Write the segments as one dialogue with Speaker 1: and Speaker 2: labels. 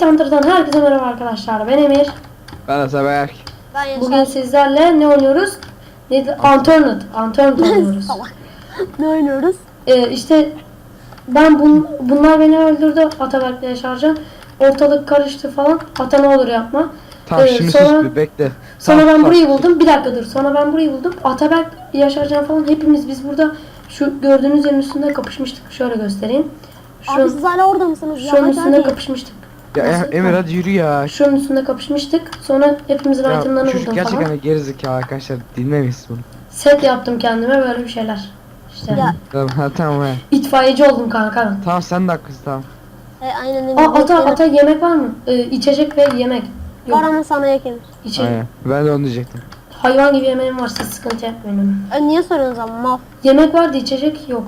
Speaker 1: Yiğit Hunter'dan herkese merhaba arkadaşlar. Ben Emir.
Speaker 2: Ben Ataberk.
Speaker 3: Ben Yaşar.
Speaker 1: Bugün sizlerle ne oynuyoruz? Neydi? Unturned oynuyoruz.
Speaker 3: Ne oynuyoruz?
Speaker 1: İşte ben bunlar beni öldürdü. Ataberk'le Yaşarcan. Ortalık karıştı falan. Ata ne olur yapma.
Speaker 2: Tamam şimdi
Speaker 1: sonra,
Speaker 2: sus bir bekle.
Speaker 1: Sonra
Speaker 2: Tamam,
Speaker 1: ben burayı buldum. Bir dakika dur. Sonra ben burayı buldum. Ataberk, Yaşarcan falan hepimiz biz burada şu gördüğünüz yerin üstünde kapışmıştık. Şöyle göstereyim.
Speaker 3: Abi siz hala orada mısınız?
Speaker 1: Şunun üstünde kapışmıştık.
Speaker 2: Ya Emir hadi yürü ya.
Speaker 1: Şunun üstünde kapışmıştık. Sonra hepimizin
Speaker 2: Ya
Speaker 1: itemlerini
Speaker 2: çocuk
Speaker 1: buldum
Speaker 2: gerçekten
Speaker 1: falan.
Speaker 2: gerizekalı arkadaşlar, dinlemeyiz bunu.
Speaker 1: Set yaptım kendime böyle bir şeyler. İşte
Speaker 3: Ya.
Speaker 2: Tamam he.
Speaker 1: itfaiyeci oldum kanka ben.
Speaker 2: Tamam sen de haklısın tamam.
Speaker 3: Aynen.
Speaker 1: Ata yemek var mı? İçecek ve yemek. Yok.
Speaker 3: Var ama sana yakınır.
Speaker 1: İçecek.
Speaker 2: Aynen. Ben de onu diyecektim.
Speaker 1: Hayvan gibi yemeğim var, siz sıkıntı yapmayın.
Speaker 3: Niye soruyorsunuz ama mal?
Speaker 1: Yemek vardı, içecek yok.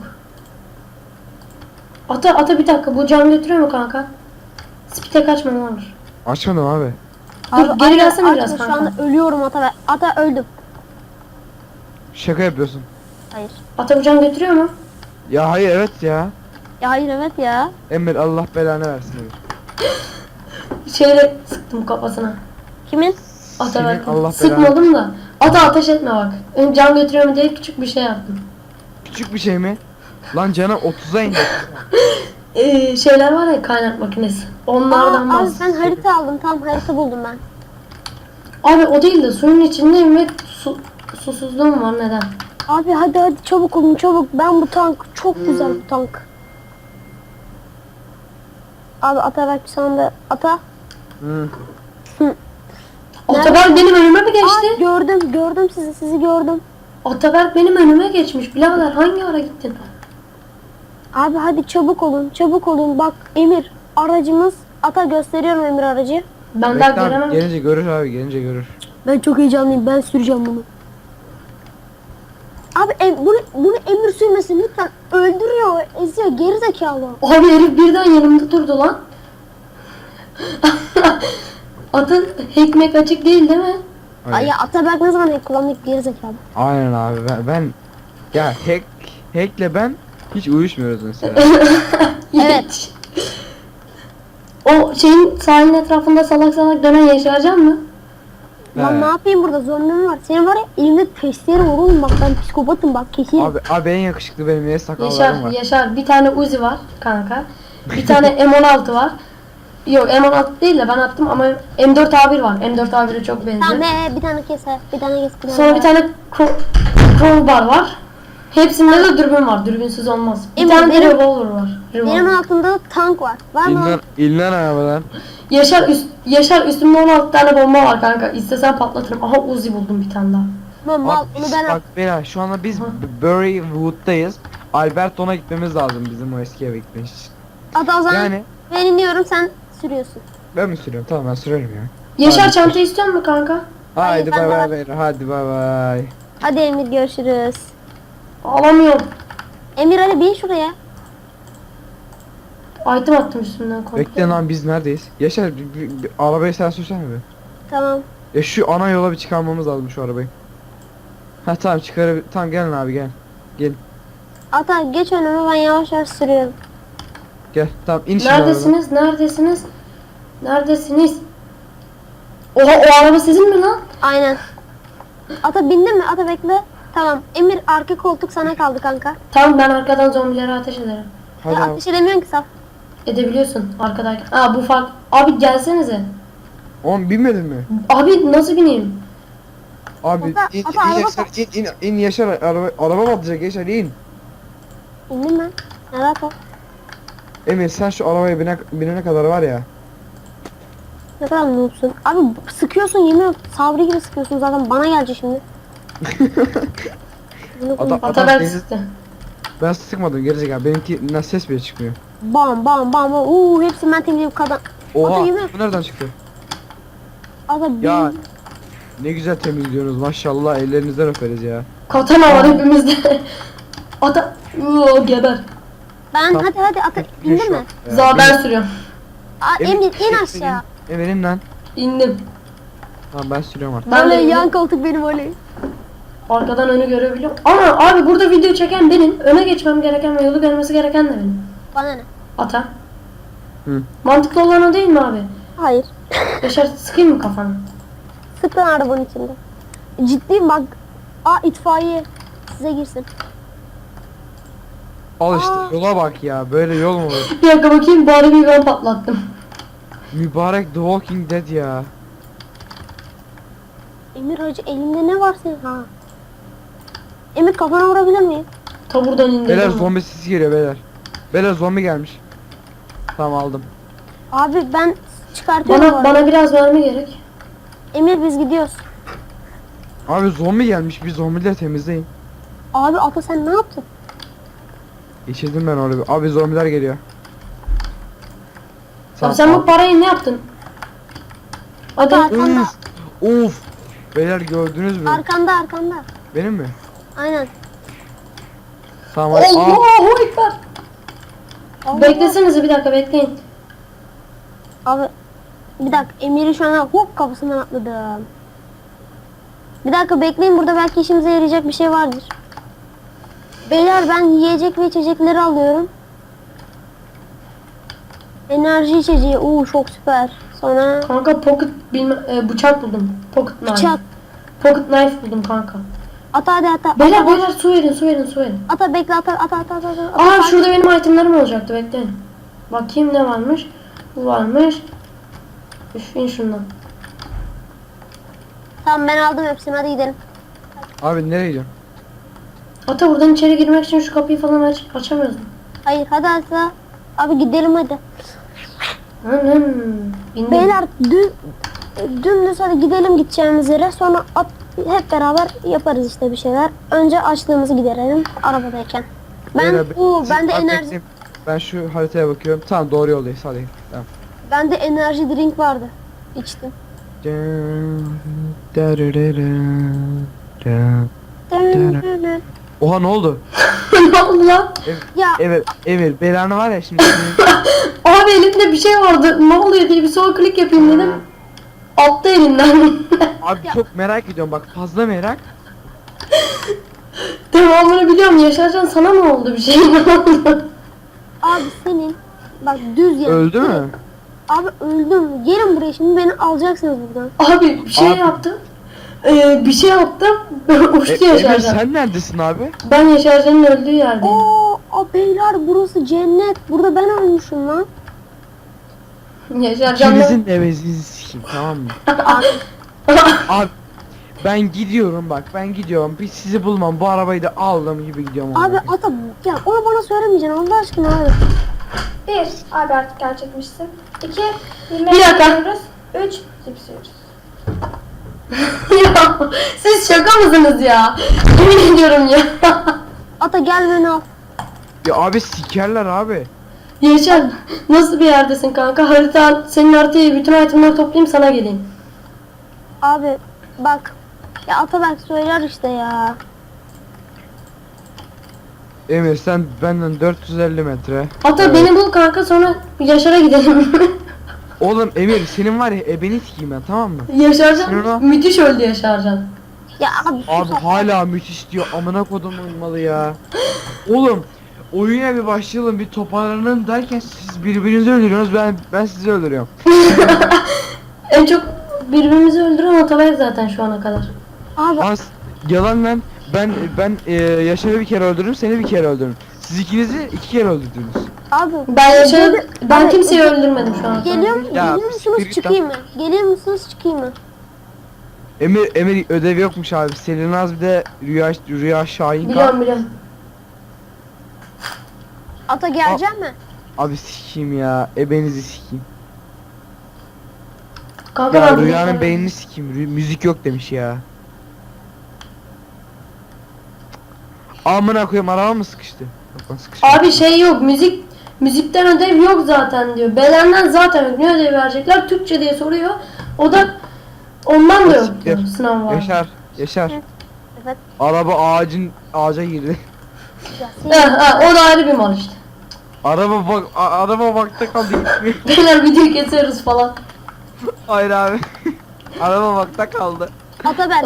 Speaker 1: Ata bir dakika, bu can götürüyor mu kanka? Spite kaçma ne olur.
Speaker 2: Açmadım abi.
Speaker 1: Dur, geri
Speaker 3: aynen,
Speaker 1: gelsene
Speaker 3: açma,
Speaker 1: biraz
Speaker 3: şu
Speaker 1: kanka.
Speaker 3: anda ölüyorum ata. Ata öldüm.
Speaker 2: Şaka yapıyorsun.
Speaker 3: Hayır.
Speaker 1: Ata bu can götürüyor mu?
Speaker 2: Ya hayır evet ya.
Speaker 3: Ya hayır evet ya.
Speaker 2: Emir Allah belanı versin Emir.
Speaker 1: Şeyle sıktım kafasına.
Speaker 3: Kimin?
Speaker 1: Ata
Speaker 2: Senin
Speaker 1: belki.
Speaker 2: Allah
Speaker 1: Sıkmadım da. Ata ateş etme bak. Can götürüyor mu diye küçük bir şey yaptım.
Speaker 2: Küçük bir şey mi? Lan cana 30'a indi.
Speaker 1: Şeyler var ya, kaynak makinesi. Onlardan
Speaker 3: Abi
Speaker 1: bahsediyorum.
Speaker 3: sen harita aldın. Tam harita buldum ben.
Speaker 1: Abi o değil de suyun içindeyim ve susuzluğum var, neden?
Speaker 3: Abi hadi çabuk olun çabuk. Ben bu tank çok güzel bu tank. Abi ata bak şu anda ata.
Speaker 2: Hı.
Speaker 1: Ataberk benim önüme mi geçti?
Speaker 3: Gördüm sizi gördüm.
Speaker 1: Ataberk benim önüme geçmiş. Birader hangi ara gittin?
Speaker 3: Abi hadi çabuk olun. Bak Emir aracımız ata gösteriyorum Emir aracı.
Speaker 1: Ben daha
Speaker 2: Bekle abi,
Speaker 1: göremem.
Speaker 2: gelince görür abi, gelince görür.
Speaker 3: Ben çok heyecanlıyım. Ben süreceğim bunu. Abi bunu Emir sürmesin lütfen. Öldürüyor, eziyor, geri zekalı.
Speaker 1: Abi herif birden yanımda durdu lan. Atın ekmek açık değil mi?
Speaker 2: Aynen.
Speaker 3: Ay ya Ataberk ne zaman hack kullandık geri zekalı.
Speaker 2: Aynen abi ben ya hack'le ben hiç uyuşmuyoruz mesela.
Speaker 3: Evet.
Speaker 1: O şeyin sahilin etrafında salak salak dönen Yaşarcan mı?
Speaker 3: Lan
Speaker 2: He.
Speaker 3: ne yapayım burada zorunlu mu var? Senin var ya elimde testere var oğlum bak ben psikopatım bak kesin.
Speaker 2: Abi en yakışıklı benim ya, sakallarım var.
Speaker 1: Yaşar bir tane Uzi var kanka. Bir tane M16 var. Yok M16 değil de ben attım ama M4A1 var. M4A1'e çok benziyor.
Speaker 3: Tamam bir tane keser bir tane kes.
Speaker 1: Sonra bir tane crowbar var. Hepsinde de dürbün var. Dürbünsüz olmaz. Bir
Speaker 3: Emre,
Speaker 1: tane de
Speaker 3: benim-
Speaker 1: revolver var.
Speaker 3: Benim altımda tank var. Var mı?
Speaker 2: İllen arabadan.
Speaker 1: Yaşar üstümde 16 tane bomba var kanka. İstesen patlatırım. Aha Uzi buldum bir tane daha.
Speaker 3: Mal
Speaker 2: Abi,
Speaker 3: onu ben
Speaker 2: bak beyler şu anda biz Burywood'dayız. Alberton'a gitmemiz lazım bizim o eski eve gitmek için.
Speaker 3: Hadi o zaman
Speaker 2: Yani
Speaker 3: ben iniyorum sen sürüyorsun.
Speaker 2: ben mi sürüyorum? Tamam ben sürerim ya.
Speaker 1: Yaşar
Speaker 2: Hadi.
Speaker 1: çanta istiyor musun kanka?
Speaker 2: Haydi
Speaker 3: ben
Speaker 2: bay
Speaker 3: de-
Speaker 2: bay beyler, hadi bay bay.
Speaker 3: Hadi Emir görüşürüz.
Speaker 1: Alamıyorum.
Speaker 3: Emir hadi bin şuraya.
Speaker 1: Item attım üstümden komple.
Speaker 2: Bekle lan, biz neredeyiz? Yaşar bir arabayı sen sürsene bir.
Speaker 3: Tamam.
Speaker 2: Ya şu ana yola bir çıkarmamız lazım şu arabayı. Ha tamam tamam gelin abi gel. Gelin.
Speaker 3: Ata geç önüme ben yavaş yavaş sürüyorum.
Speaker 2: Gel tamam in şimdi arabadan.
Speaker 1: Neredesiniz? Neredesiniz? Neredesiniz? Oha o araba sizin mi lan?
Speaker 3: Aynen. Ata bindin mi? Ata bekle. Tamam. Emir arka koltuk sana kaldı kanka.
Speaker 1: Tamam ben arkadan zombilere ateş ederim.
Speaker 2: Hadi
Speaker 3: Ya
Speaker 2: abi.
Speaker 3: ateş edemiyorsun ki saf.
Speaker 1: Edebiliyorsun arkadayken. Aa bu fark. Abi gelsenize.
Speaker 2: Oğlum binmedin mi?
Speaker 1: Abi nasıl bineyim?
Speaker 2: Abi
Speaker 3: Ata, araba
Speaker 2: Yaşar in Yaşar, araba batacak Yaşar in.
Speaker 3: İndin mi? Ne ata?
Speaker 2: Emir sen şu arabaya binene kadar var ya.
Speaker 3: Ne kadar noobsun. Abi sıkıyorsun yemin ederim. Sabri gibi sıkıyorsun zaten bana gelecek şimdi. Bunu koyayım.
Speaker 1: Ataberk
Speaker 2: beni-
Speaker 1: sıktı.
Speaker 2: Ben sıkmadım gerizekalı, benimki ses bile çıkmıyor.
Speaker 3: Bam bam bam. Hepsini ben temizleyip kadar.
Speaker 2: Oha
Speaker 3: Ata yemin
Speaker 2: bu nereden çıktı?
Speaker 3: Ata
Speaker 2: Ya
Speaker 3: bin.
Speaker 2: ne güzel temizliyorsunuz maşallah, ellerinizden öperiz ya.
Speaker 1: Katana var hepimizde. Ata. Geber.
Speaker 3: Ben
Speaker 2: Tamam.
Speaker 3: hadi ata
Speaker 2: Şu
Speaker 3: indin mi?
Speaker 2: an- Ya,
Speaker 1: Za ben sürüyorum.
Speaker 3: Emir in aşağı.
Speaker 2: Emir in lan.
Speaker 1: İndim.
Speaker 2: Tamam ben sürüyorum artık.
Speaker 1: Ben de
Speaker 3: Oley
Speaker 1: indim.
Speaker 3: yan koltuk benim oley.
Speaker 1: Arkadan önü görebiliyorum. Ama abi burada video çeken benim. Öne geçmem gereken ve yolu görmesi gereken de benim.
Speaker 3: Bana ne?
Speaker 1: Ata.
Speaker 2: Hı.
Speaker 1: Mantıklı olan o değil mi abi?
Speaker 3: Hayır.
Speaker 1: Yaşar sıkayım mı kafanı?
Speaker 3: Sık lan arabanın içinde. Ciddiyim bak. Aa itfaiye. Size girsin.
Speaker 2: Al işte
Speaker 3: Aa.
Speaker 2: yola bak ya. Böyle yol mu olur?
Speaker 1: Bir dakika bakayım bari bir ben patlattım.
Speaker 2: Mübarek The Walking Dead ya.
Speaker 3: Emir hacı elinde ne var senin? Ha. Emir kafana vurabilir miyim?
Speaker 1: Ta buradan
Speaker 2: Beyler
Speaker 1: indirdim. ben.
Speaker 2: zombi sesi geliyor beyler. Beyler zombi gelmiş. Tamam aldım.
Speaker 3: Abi ben çıkartıyorum bu
Speaker 1: Bana,
Speaker 3: arada.
Speaker 1: bana biraz verme gerek.
Speaker 3: Emir biz gidiyoruz.
Speaker 2: Abi zombi gelmiş. Bir zombileri temizleyin.
Speaker 3: Abi Ata sen ne yaptın?
Speaker 2: Geçirdim ben orada. Abi zombiler geliyor.
Speaker 1: Abi sen bu parayı ne yaptın? Hadi.
Speaker 3: Ata arkanda.
Speaker 2: Of. Beyler gördünüz mü?
Speaker 3: Arkanda.
Speaker 2: Benim mi?
Speaker 3: Aynen.
Speaker 2: Tamam hadi. Aa,
Speaker 1: Allahu Ekber.
Speaker 3: Allah.
Speaker 1: Beklesenize bir dakika bekleyin.
Speaker 3: Abi bir dakika Emir'i şu an hop kapısından atladım. Bir dakika bekleyin burada belki işimize yarayacak bir şey vardır. Beyler ben yiyecek ve içecekleri alıyorum. Enerji içeceği. Çok süper. Sonra
Speaker 1: Kanka pocket bıçak buldum. Pocket knife.
Speaker 3: bıçak.
Speaker 1: Pocket knife buldum kanka.
Speaker 3: Ata hadi ata.
Speaker 1: Beyler
Speaker 3: ata,
Speaker 1: beyler su verin su verin su verin.
Speaker 3: ata bekle ata.
Speaker 1: Aa şurada benim itemlerim olacaktı bekleyin. Bakayım ne varmış. Bu varmış. Üf in şundan.
Speaker 3: Tamam ben aldım hepsini hadi gidelim.
Speaker 2: abi nereye gidiyorsun?
Speaker 1: Ata buradan içeri girmek için şu kapıyı falan açamıyoruz.
Speaker 3: Hayır hadi ata. Abi gidelim hadi.
Speaker 1: Bindim.
Speaker 3: Beyler dümdüz hadi gidelim gideceğimiz yere. Sonra hep beraber yaparız işte bir şeyler. Önce açlığımızı giderelim arabadayken.
Speaker 2: Beyler,
Speaker 3: Ben de
Speaker 2: abi
Speaker 3: enerji
Speaker 2: bekleyin. Ben şu haritaya bakıyorum. Tamam doğru yoldayız hadi. Tamam.
Speaker 3: bende enerji drink vardı. İçtim.
Speaker 2: Oha ne oldu?
Speaker 1: Ne oldu lan?
Speaker 3: Ya
Speaker 2: Evet belanı var ya şimdi.
Speaker 1: Abi elimde bir şey vardı. Ne oluyor diye bir sol klik yapayım dedim. Attı elinden.
Speaker 2: Abi çok merak ediyorum bak fazla merak.
Speaker 1: Devamını biliyorum. Yaşarcan sana mı oldu bir şey? Ne oldu?
Speaker 3: abi senin bak düz yani.
Speaker 2: Öldü mü?
Speaker 3: Abi öldüm. Gelin buraya şimdi beni alacaksınız buradan.
Speaker 1: Abi bir şey
Speaker 2: Abi.
Speaker 1: yaptım. Bir şey yaptım. Uçtu
Speaker 2: Emir
Speaker 1: Yaşarcan.
Speaker 2: sen neredesin abi?
Speaker 1: Ben Yaşarcan'ın öldüğü yerdeyim.
Speaker 3: Beyler burası cennet. Burada ben ölmüşüm lan.
Speaker 1: Yaşarcan'la...
Speaker 2: İkinizin evezinizi sikeyim tamam mı? Abi ben gidiyorum bak ben gidiyorum. Bir sizi bulmam bu arabayı da aldım gibi gidiyorum.
Speaker 3: Abi ata ya onu bana söylemeyeceksin Allah aşkına abi.
Speaker 4: 1. Abi artık gerçekmişsin. 2.
Speaker 1: Bir dakika.
Speaker 4: Yiyoruz. 3. Cips yiyoruz.
Speaker 1: Ya siz şaka mısınız ya? Yemin ediyorum ya.
Speaker 3: Ata gel beni al.
Speaker 2: Ya abi sikerler abi.
Speaker 1: Yaşar nasıl bir yerdesin kanka? Senin haritayı bütün itemleri toplayayım sana geleyim.
Speaker 3: Abi bak. Ya ata bak söyler işte ya.
Speaker 2: Emir sen benden 450 metre.
Speaker 1: Hatta
Speaker 2: Evet.
Speaker 1: beni bul kanka sonra Yaşar'a gidelim.
Speaker 2: Oğlum Emir senin var ya ebeni sikeyim ben tamam mı?
Speaker 1: Yaşarcan
Speaker 2: Sinirlen.
Speaker 1: müthiş öldü Yaşarcan.
Speaker 3: Ya abi sus
Speaker 2: Abi
Speaker 3: ata.
Speaker 2: hala müthiş diyor amına kodumun malı ya. Oğlum oyuna bir başlayalım bir toparlanalım derken siz birbirinizi öldürüyorsunuz ben sizi öldürüyorum.
Speaker 1: En çok birbirimizi öldüren Atabek zaten şu ana kadar.
Speaker 3: Abi
Speaker 2: As yalan lan ben Yaşar'ı bir kere öldürdüm seni bir kere öldürdüm. Siz ikinizi 2 kere öldürdünüz.
Speaker 3: abi.
Speaker 1: Ben
Speaker 3: Abi,
Speaker 1: kimseyi öldürmedim şu an.
Speaker 3: Geliyor
Speaker 2: Ya,
Speaker 3: musunuz
Speaker 2: spirit
Speaker 3: çıkayım mı? Geliyor musunuz çıkayım mı?
Speaker 2: Emir ödev yokmuş abi. Selinaz bir de Rüya Şahin
Speaker 1: Biliyorum biliyorum.
Speaker 3: Ata gelecek mi?
Speaker 2: Abi sikeyim ya. Ebenizi sikeyim.
Speaker 1: Kanka
Speaker 2: Ya
Speaker 1: ben
Speaker 2: Rüya'nın
Speaker 1: bilmiyorum.
Speaker 2: beynini sikeyim. Müzik yok demiş ya. Amına koyayım araba mı sıkıştı? Yok lan sıkışmadı.
Speaker 1: Abi şey yok müzikten ödev yok zaten diyor. Bedenden zaten yok. Ne ödev verecekler? Türkçe diye soruyor. O da ondan da yok diyor. Sınav var.
Speaker 2: Yaşar.
Speaker 3: Evet.
Speaker 2: Araba ağaca girdi.
Speaker 3: Ya, senin-
Speaker 1: O da ayrı bir mal işte.
Speaker 2: Araba bakta kaldı gitmiyor.
Speaker 1: Beyler video kesiyoruz falan.
Speaker 2: Hayır abi. Araba bakta kaldı.
Speaker 3: Ata ben.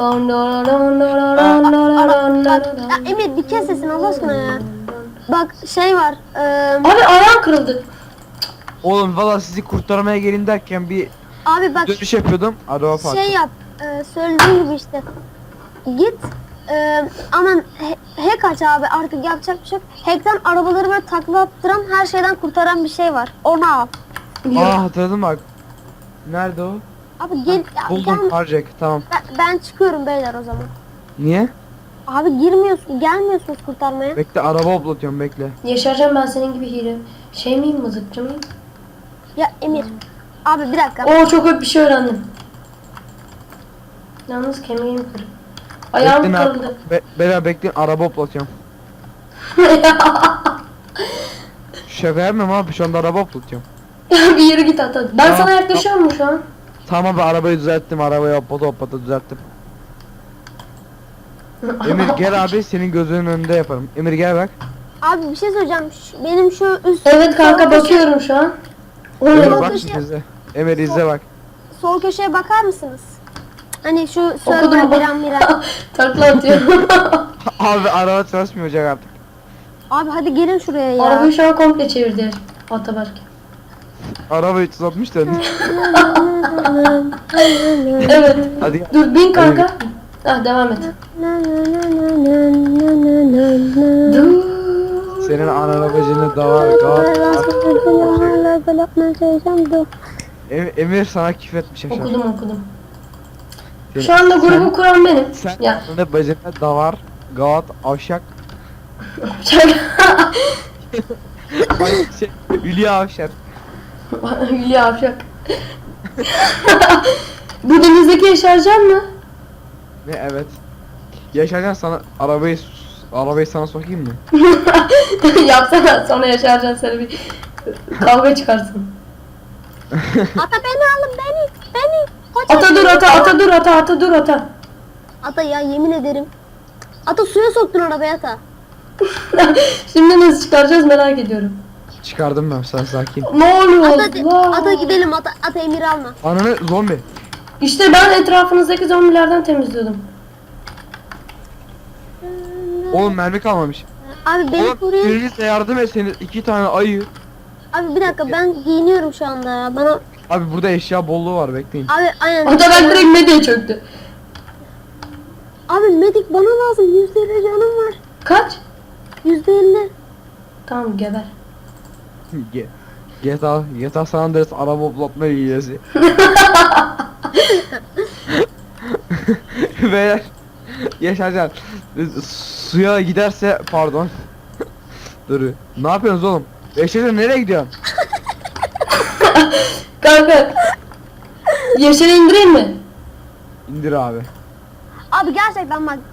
Speaker 3: Ya Emir bir kes sesini Allah aşkına ya. Bak şey var.
Speaker 1: Abi ayağım kırıldı.
Speaker 2: Oğlum valla sizi kurtarmaya gelin derken bir
Speaker 3: Abi bak
Speaker 2: Dönüş yapıyordum. Araba farklı.
Speaker 3: şey yap. Söylediğim gibi işte. Git. Aman hack aç abi, artık yapacak bir şey yok. Hack'ten arabaları böyle takla attıran, her şeyden kurtaran bir şey var. Onu al.
Speaker 2: Aa hatırladım bak. Nerede o?
Speaker 3: Abi gel,
Speaker 2: Buldum. Harcek. Tamam.
Speaker 3: ben çıkıyorum beyler o zaman.
Speaker 2: Niye?
Speaker 3: Abi girmiyorsun, gelmiyorsunuz kurtarmaya.
Speaker 2: Bekle araba hoplatıyorum bekle.
Speaker 1: Yaşarcan ben senin gibi hile. Şey miyim, mızıkçı mıyım?
Speaker 3: Ya Emir. Abi bir dakika.
Speaker 1: Oo, çok öp bir şey öğrendim. Yalnız kemiğim kırık. Ayağım
Speaker 2: Bekleyin abi.
Speaker 1: kırıldı.
Speaker 2: Beraber bekleyin araba hoplatıyorum. Şaka yapmıyorum abi şu anda araba hoplatıyorum.
Speaker 1: Bir yere git at. Ben
Speaker 2: Tamam,
Speaker 1: sana yaklaşıyorum mu şu an?
Speaker 2: Tamam abi arabayı düzelttim. Arabayı hoplata düzelttim. Emir gel abi senin gözünün önünde yaparım. Emir gel bak.
Speaker 3: Abi bir şey söyleyeceğim. Benim şu üst
Speaker 1: Evet kanka,
Speaker 3: sol köşe-
Speaker 1: bakıyorum şu an. O ne
Speaker 2: Emir
Speaker 1: lan?
Speaker 2: bak
Speaker 3: köşe-
Speaker 2: izle. Emir izle bak.
Speaker 3: sol köşeye bakar mısınız? Hani şu
Speaker 1: Okudum
Speaker 3: server
Speaker 1: bak.
Speaker 3: biren.
Speaker 1: Takla atıyorum.
Speaker 2: Abi araba çalışmayacak artık.
Speaker 3: Abi hadi gelin şuraya ya.
Speaker 1: Arabayı şu an komple çevirdi Ataberk.
Speaker 2: Araba 360 döndü.
Speaker 1: Evet.
Speaker 2: Hadi gel.
Speaker 1: Dur bin kanka. Ah, devam et. Dur.
Speaker 2: Senin anana bacını davar Emir sana küfür etmiş aşağı.
Speaker 1: Okudum.
Speaker 2: Senin-
Speaker 1: Şu anda grubu kuran benim.
Speaker 2: Sen
Speaker 1: Ya.
Speaker 2: anana bacını davar, gavat, avşak, şey, Hülya avşar.
Speaker 1: Hülya Avşak. Bu denizdeki Yaşarcan mı?
Speaker 2: Ne evet. Yaşarken sana arabayı sana sokayım mı?
Speaker 1: Yapsana, sonra Yaşarcan seni bir kavga çıkarsın.
Speaker 3: Ata beni alın, beni. Kaç
Speaker 1: Ata dur,
Speaker 3: yaşındasın?
Speaker 1: ata dur.
Speaker 3: Ata ya, yemin ederim. Ata suya soktun arabayı Ata.
Speaker 1: Şimdi nasıl çıkaracağız merak ediyorum.
Speaker 2: Çıkardım ben sen sakin.
Speaker 1: Ne oluyor?
Speaker 3: Ata gidelim, Ata Emir'i alma.
Speaker 2: Ananı zombi.
Speaker 1: İşte ben etrafınızdaki zombilerden temizliyordum.
Speaker 2: Oğlum mermi kalmamış.
Speaker 3: Abi beni
Speaker 2: Oğlum
Speaker 3: koruyun.
Speaker 2: biriniz de yardım etseniz 2 tane ayı.
Speaker 3: Abi bir dakika, ben giyiniyorum şu anda ya. Bana
Speaker 2: Abi burada eşya bolluğu var bekleyin.
Speaker 3: abi aynen.
Speaker 1: Ataberk direkt medyaya çöktü.
Speaker 3: Abi medik bana lazım. %50 canım var.
Speaker 1: Kaç?
Speaker 3: %50.
Speaker 1: Tamam, geber.
Speaker 2: GTA San Andreas araba hoplatma hilesi. Beyler Yaşarcan suya giderse pardon. Dur. Ne yapıyorsunuz oğlum? Yaşarcan nereye gidiyorsun?
Speaker 1: Kanka. Yaşar'ı indireyim mi?
Speaker 2: İndir abi.
Speaker 3: Abi gerçekten bak.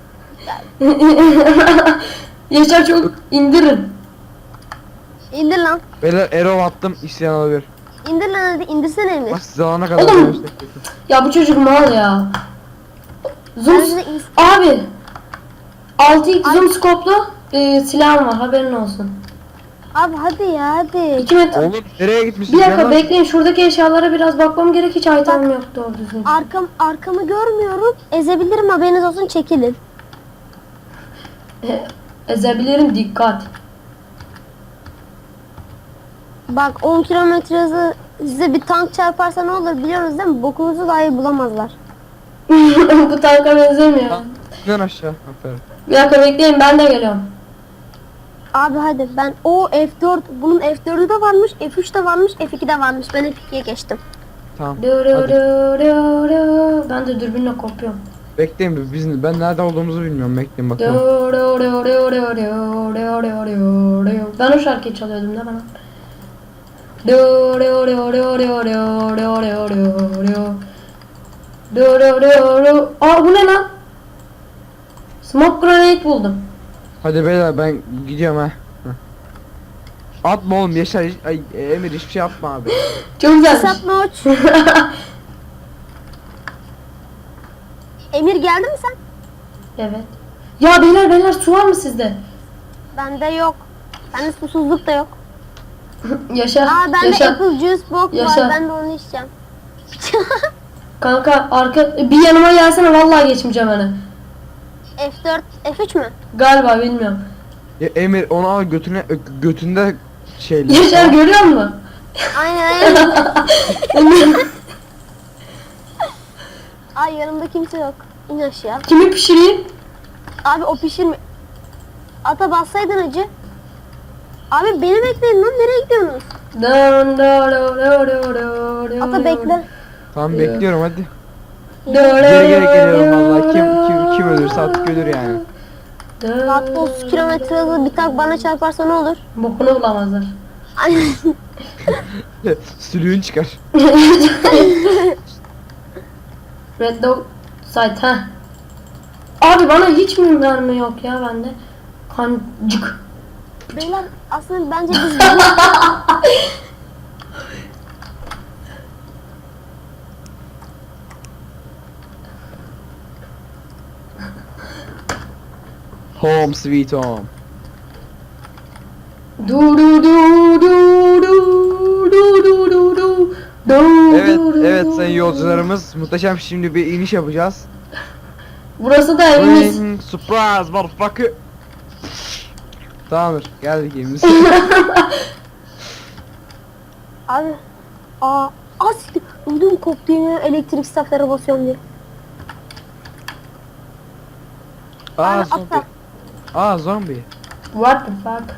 Speaker 1: Yaşar çok indirin.
Speaker 3: İndir lan.
Speaker 2: Beyler Erol attım isteyen alabilir.
Speaker 3: İndir lan hadi. İndirsene Emir.
Speaker 2: Bak size alana kadar.
Speaker 1: Oğlum.
Speaker 2: dönüşte-
Speaker 1: Ya bu çocuk mal ya. Zoom
Speaker 3: Ben size
Speaker 1: abi. 6x zoom skoplu silahım var, haberin olsun.
Speaker 3: Abi hadi ya hadi.
Speaker 1: 2 metre.
Speaker 2: Oğlum nereye gitmişsin?
Speaker 1: Bir dakika
Speaker 2: Yalan.
Speaker 1: bekleyin, şuradaki eşyalara biraz bakmam gerek, hiç itemim yok doğru düzgün.
Speaker 3: Arkamı görmüyorum. Ezebilirim, haberiniz olsun, çekilin.
Speaker 1: Ezebilirim, dikkat.
Speaker 3: Bak 10 kilometre hızı size bir tank çarparsa ne olur biliyorsunuz değil mi? Bokunuzu dahi bulamazlar.
Speaker 1: Bu tanka benzemiyor.
Speaker 2: İn aşağı. Aferin.
Speaker 1: Bir dakika bekleyin, ben de geliyorum.
Speaker 3: Abi hadi ben o F4, bunun F4'ü de varmış, F3 de varmış, F2 de varmış. Ben F2'ye geçtim.
Speaker 2: Tamam.
Speaker 1: Du, du,
Speaker 2: Hadi.
Speaker 1: du, du, du. Ben de dürbünle kopuyorum.
Speaker 2: Bekleyin ben nerede olduğumuzu bilmiyorum. Bekleyin
Speaker 1: Du,
Speaker 2: bakalım.
Speaker 1: du, du, du, du, du, du, du, du, du. Ben o şarkıyı çalıyordum da bana. Du, du, du, du, du, du, du, du, du, du. Du, du, du, du. Aa, bu ne lan? Smoke grenade buldum.
Speaker 2: Hadi beyler ben gidiyorum ha. Heh. Atma oğlum Yaşar. Ay Emir hiçbir şey atma abi.
Speaker 1: Çok güzelmiş.
Speaker 3: Sapma uç. Emir geldi mi sen?
Speaker 1: Evet. Ya beyler su var mı sizde?
Speaker 3: Bende yok. Bende susuzluk da yok.
Speaker 1: Yaşar.
Speaker 3: Aa bende
Speaker 1: Yaşar.
Speaker 3: apple juice box
Speaker 1: Yaşa.
Speaker 3: var. Ben de onu içeceğim.
Speaker 1: Kanka bir yanıma gelsene, vallahi geçmeyeceğim hani.
Speaker 3: F4, F3 mü?
Speaker 1: Galiba, bilmiyorum.
Speaker 2: Ya Emir onu al götünde şeyle.
Speaker 1: Yaşar görüyor musun?
Speaker 3: Aynen aynen. Ay yanımda kimse yok. İn aşağı.
Speaker 1: Kimi pişireyim?
Speaker 3: Abi o pişirme. Ata bassaydın acı. Abi beni bekleyin lan, nereye gidiyorsunuz?
Speaker 1: Dön, dö, dö, dö, dö, dö, dö,
Speaker 3: Ata bekle.
Speaker 2: Tamam
Speaker 1: Ya.
Speaker 2: bekliyorum hadi.
Speaker 1: Dö, dö,
Speaker 2: Geri geri
Speaker 1: dö,
Speaker 2: geliyorum
Speaker 1: dö,
Speaker 2: vallahi. Kim
Speaker 1: dö,
Speaker 2: ölürse artık ölür yani.
Speaker 1: dö.
Speaker 3: Saatte 30 kilometre hızlı bir tak bana çarparsa ne olur?
Speaker 1: Bokunu bulamazlar.
Speaker 3: Ay,
Speaker 2: Sülüğün çıkar.
Speaker 1: Red Dog Site ha. Abi bana hiç mi mermi yok ya bende? Kancık.
Speaker 3: Beyler aslında bence biz
Speaker 2: Home sweet home.
Speaker 1: Du du du du du du du du du.
Speaker 2: Evet
Speaker 1: Du, du,
Speaker 2: evet
Speaker 1: du,
Speaker 2: sayın
Speaker 1: du.
Speaker 2: yolcularımız muhteşem şimdi bir iniş yapacağız.
Speaker 1: Burası da evimiz.
Speaker 2: Surprise motherfucker. Tamamdır geldik evimize.
Speaker 3: abi siktir. Ödüm koptu yemin, elektrik staflara basıyorum diye.
Speaker 2: Aa
Speaker 3: Abi,
Speaker 2: zombi.
Speaker 3: atla.
Speaker 2: Aa zombi.
Speaker 1: What the fuck?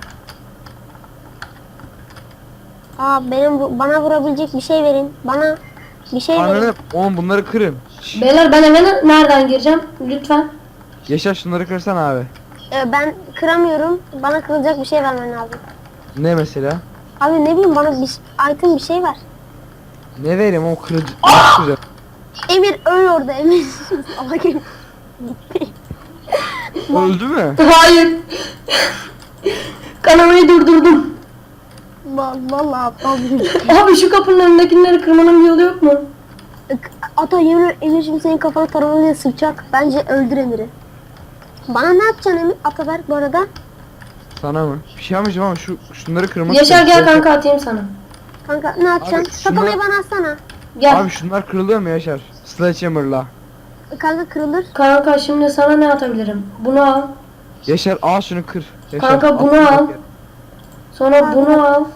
Speaker 3: Bana vurabilecek bir şey verin. Bana bir şey verin.
Speaker 2: Ananı oğlum bunları kırın. Şşş.
Speaker 1: Beyler ben eve nereden gireceğim? Lütfen.
Speaker 2: Yaşar şunları kırsan abi.
Speaker 3: Ben kıramıyorum. Bana kırılacak bir şey vermen lazım.
Speaker 2: Ne mesela?
Speaker 3: Abi ne bileyim, bana bir item bir şey ver.
Speaker 2: Ne vereyim o kırıcı. Nasıl kıracağım?
Speaker 3: Emir öl orada Emir. Allah gitti.
Speaker 2: Öldü mü?
Speaker 1: Hayır. Kanamayı durdurdum.
Speaker 3: Vallahi aptal bir çocuk.
Speaker 1: Abi şu kapının önündekileri kırmanın bir yolu yok mu?
Speaker 3: Ata yemin Emir şimdi senin kafana taramalıya sıkacak. Bence öldür Emir'i. Bana ne yapacaksın Emir? Ataberk bu arada.
Speaker 2: Sana mı? Bir şey yapmayacağım ama şunları kırmak
Speaker 1: Yaşar
Speaker 2: istiyorum.
Speaker 1: gel kanka atayım sana.
Speaker 3: Kanka ne yapacaksın?
Speaker 2: Abi, şuna-
Speaker 3: Kafayı bana atsana.
Speaker 1: Gel.
Speaker 2: Abi şunlar kırılıyor mu Yaşar? Sledgehammer'la.
Speaker 3: Kanka kırılır.
Speaker 1: Kanka şimdi sana ne atabilirim? Bunu al.
Speaker 2: Yaşar al şunu kır. Yaşar,
Speaker 1: Kanka,
Speaker 2: at
Speaker 1: bunu
Speaker 2: bir
Speaker 1: al.
Speaker 2: dakika.
Speaker 1: Sonra
Speaker 3: Abi.
Speaker 1: bunu al.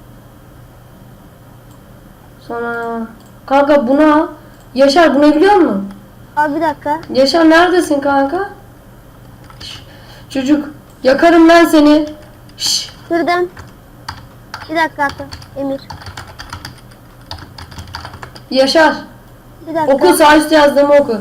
Speaker 1: Sonra kanka bunu al. Yaşar bunu biliyor musun?
Speaker 3: Abi bir dakika.
Speaker 1: Yaşar neredesin kanka? Şş, çocuk yakarım ben seni. Şş,
Speaker 3: Kırdım. Bir dakika Ata. Emir.
Speaker 1: Yaşar
Speaker 3: Bir dakika.
Speaker 1: oku sağ üstte yazdığımı oku.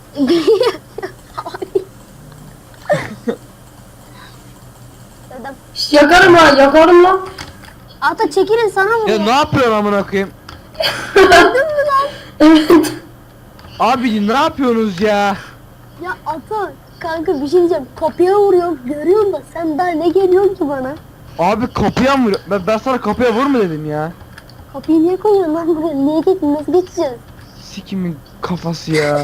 Speaker 3: Kırdım.
Speaker 1: Şş, yakarım lan yakarım lan.
Speaker 3: Ata çekilin sana
Speaker 2: Ya
Speaker 3: vuruyor.
Speaker 2: ne yapıyorsun amına koyayım?
Speaker 3: Gördün mü lan?
Speaker 1: Evet.
Speaker 2: Abi ne yapıyorsunuz ya?
Speaker 3: Ya Ata kanka bir şey diyeceğim. Kapıya vuruyor. Görüyorsun da sen daha ne geliyorsun ki bana?
Speaker 2: Abi kapıya mı vuruyor? Ben sana kapıya vurma dedim ya.
Speaker 3: Kapıyı niye koyuyorsun lan buraya? Niye nasıl geçeceğiz?
Speaker 2: Sikimin kafası ya.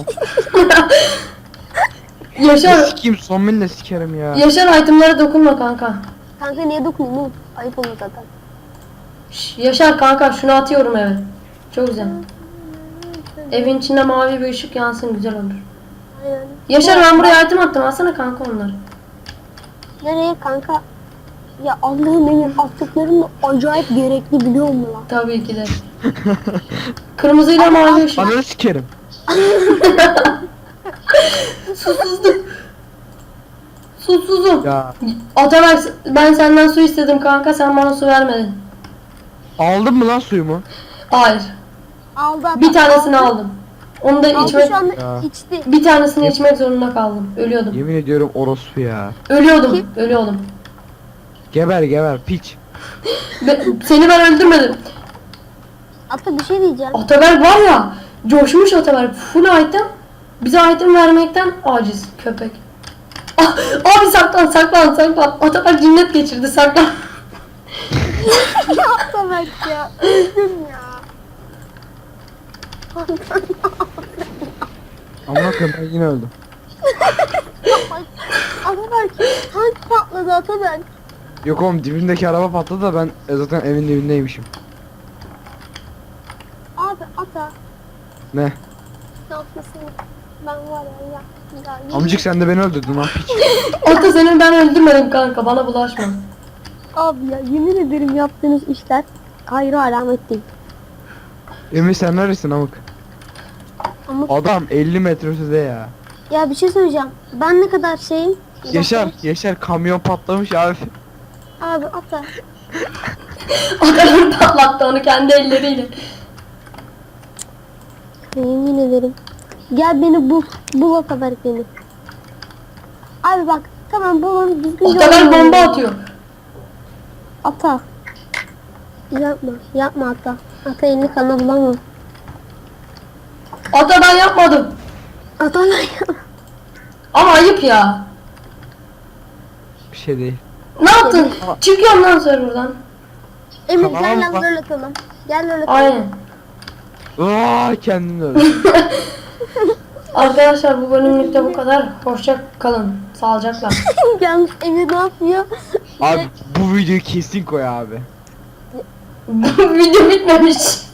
Speaker 1: Yaşar
Speaker 2: Sikeyim son de sikerim ya.
Speaker 1: Yaşar itemlara dokunma kanka.
Speaker 3: Kanka niye dokunayım oğlum? Ayıp olur zaten.
Speaker 1: Şş, Yaşar kanka şunu atıyorum eve. Çok güzel. Evin içinde mavi bir ışık yansın güzel olur.
Speaker 3: Aynen.
Speaker 1: Yaşar ben buraya item attım alsana kanka onları.
Speaker 3: Nereye kanka? Ya Allah'ım Emir attıkların da acayip gerekli biliyor musun lan?
Speaker 1: Tabii ki de. Kırmızıyla mavi ışık.
Speaker 2: Ananı sikerim.
Speaker 1: Susuzluk. Susuzum.
Speaker 2: Ya
Speaker 1: Ataberk ben senden su istedim kanka sen bana su vermedin.
Speaker 2: aldın mı lan suyumu?
Speaker 1: Hayır.
Speaker 3: Aldı adam.
Speaker 1: Bir tanesini aldım. Onu da
Speaker 3: Aldı
Speaker 1: içmek
Speaker 3: şu anda
Speaker 2: Ya.
Speaker 3: içti.
Speaker 1: bir tanesini içmek zorunda kaldım. Ölüyordum.
Speaker 2: Yemin ediyorum orospu ya.
Speaker 1: Ölüyordum. Ölüyordum.
Speaker 2: Geber piç.
Speaker 1: Seni ben öldürmedim.
Speaker 3: Ata bir şey diyeceğim.
Speaker 1: Ataberk var ya coşmuş Ataberk. Full item. Bize item vermekten aciz köpek. Ah, abi saklan. Ataberk cinnet geçirdi saklan.
Speaker 3: Ya Ata bak ya. Öldüm ya.
Speaker 2: Amına koyayım ben yine öldüm.
Speaker 3: Ataberk tank patladı Ataberk.
Speaker 2: Yok oğlum dibimdeki araba patladı da ben zaten evin dibindeymişim.
Speaker 3: Abi Ata
Speaker 2: Ne?
Speaker 3: ne yapmasın? Ben var ya.
Speaker 2: Amcık sen de beni öldürdün lan piç.
Speaker 1: Ata seni ben öldürmedim kanka bana bulaşma.
Speaker 3: Abi ya yemin ederim yaptığınız işler hayra alamet değil.
Speaker 2: Emre sen neredesin amık?
Speaker 3: Ama
Speaker 2: Adam 50 metre ötede ya.
Speaker 3: ya bir şey söyleyeceğim. Ben ne kadar şeyim? Bir
Speaker 2: Yaşar,
Speaker 3: dakika.
Speaker 2: Yaşar kamyon patlamış abi.
Speaker 3: Abi atla.
Speaker 1: Adamın patlattı onu kendi elleriyle.
Speaker 3: Yemin ederim. Gel beni bul. Bul o kadar beni. Abi bak. Tamam bulun. Düzgün
Speaker 1: Ataberk
Speaker 3: yol
Speaker 1: bomba
Speaker 3: verin.
Speaker 1: atıyor.
Speaker 3: Ata. Yapma. Yapma ata. Ata elini kana bulamam.
Speaker 1: Ata ben yapmadım.
Speaker 3: Ata
Speaker 1: Ama ayıp ya.
Speaker 2: Bir şey değil.
Speaker 1: Ne yaptın? Çıkıyorum lan serverdan.
Speaker 3: Emir
Speaker 2: Tamam,
Speaker 3: gel lan
Speaker 2: bak.
Speaker 3: böyle atalım. Gel böyle atalım.
Speaker 1: Aynen.
Speaker 2: Aa kendini öldü.
Speaker 1: Arkadaşlar bu bölümlükte bu kadar. Hoşça kalın. Sağlıcakla.
Speaker 3: Yalnız Emir ne yapıyor?
Speaker 2: Abi bu videoyu kesin koy abi.
Speaker 1: Bu video bitmemiş.